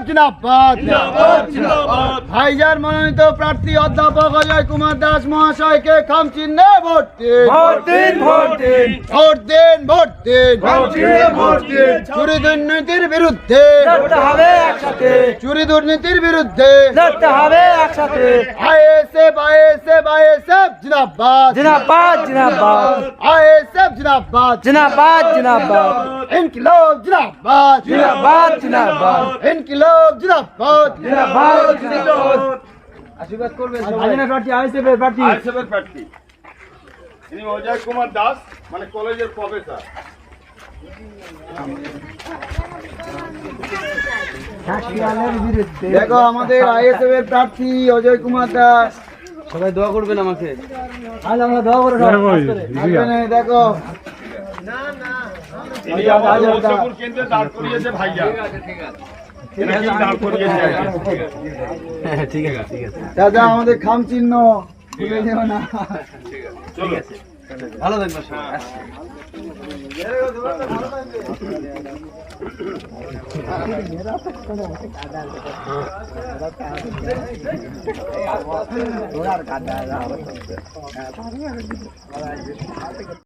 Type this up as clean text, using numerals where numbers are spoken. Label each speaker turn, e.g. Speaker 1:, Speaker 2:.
Speaker 1: জিন্দাবাদ ভাইজার মনোনীত প্রার্থী অধ্যাপক অজয় কুমার দাস মহাশয়কে খাম চিহ্নে ভোট দিন চুরি দুর্নীতির বিরুদ্ধে আইএসএফ জিন্দাবাদ আইএসএফ জিন্দাবাদ ইনকিলাব জিন্দাবাদ ইনকিলাব জিন্দাবাদ আশীর্বাদ করবেন প্রার্থী আইএসএফের প্রার্থী
Speaker 2: ইনি অজয় কুমার দাস মানে কলেজের প্রফেসর।
Speaker 1: দেখো আমাদের আইএসএফ এর প্রার্থী অজয় কুমার দাস।
Speaker 3: সবাই দোয়া করবেন আমাকে।
Speaker 1: আজ আমরা দোয়া করে দেখো
Speaker 2: কেন্দ্রে দাঁড় করিয়েছে ভাইয়া।
Speaker 3: ঠিক আছে
Speaker 1: দাদা আমাদের খাম চিহ্ন ভুলে যেও না।
Speaker 2: চলো
Speaker 3: ভালো থাকবেন সবাই।